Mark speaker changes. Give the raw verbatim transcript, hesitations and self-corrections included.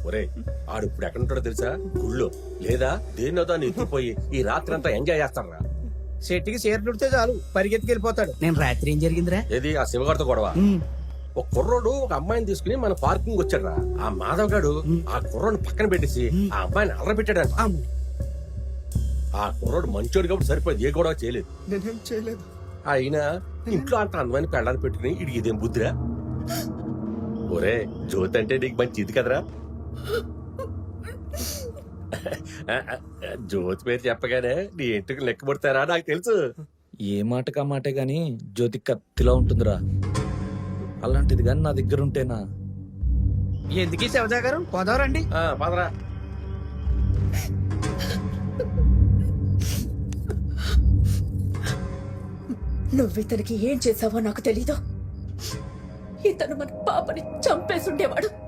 Speaker 1: ఒరే ఆడు ఇప్పుడు ఎక్కడ ఉంటాడో తెలుసా? గుళ్ళో లేదా దేన్నో దాన్ని ఎత్తిపోయి ఈ రాత్రి అంతా ఎంజాయ్ చేస్తారా.
Speaker 2: చెట్టుకి చీరలుడితే చాలు పరిగెత్తికి వెళ్ళిపోతాడు.
Speaker 3: నేను రాత్రి ఏం జరిగిందిరా?
Speaker 1: ఏది ఆ శివగారితో గొడవ? ఒక కుర్రోడు ఒక అమ్మాయిని తీసుకుని మన పార్కింగ్ వచ్చాడు రా. ఆ మాధవ్ గాడు ఆ కుర్రోడు పక్కన పెట్టేసి ఆ అమ్మాయిని అల్లరి పెట్టాడంట. ఆ కుర్రోడు మంచోడు కాబట్టి సరిపోయింది, ఏ గొడవ చేయలేదు.
Speaker 2: నేనేం చేయలేదు.
Speaker 1: అయినా ఇంట్లో అంత అందమైన పెళ్ళాన్ని పెట్టుకుని ఇడికి ఇదేం బుద్ధిరా? ఒరే జ్యోతి అంటే నీకు మంచి ఇది కదరా. జ్యోతి పేరు చెప్పగానే నీ ఇంటికి లెక్క పడతారా నాకు తెలుసు.
Speaker 4: ఏ మాటకా మాటే గాని జ్యోతి కత్తిలా ఉంటుందిరా. అలాంటిది గాని నా దగ్గర ఉంటేనా.
Speaker 2: ఎందుకీ శివజా గారు పోదావరండి.
Speaker 1: ఆ, పదరా.
Speaker 5: నువ్వు ఇతనికి ఏం చేసావో నాకు తెలీదు. ఇతను మన పాపని చంపేసుండేవాడు.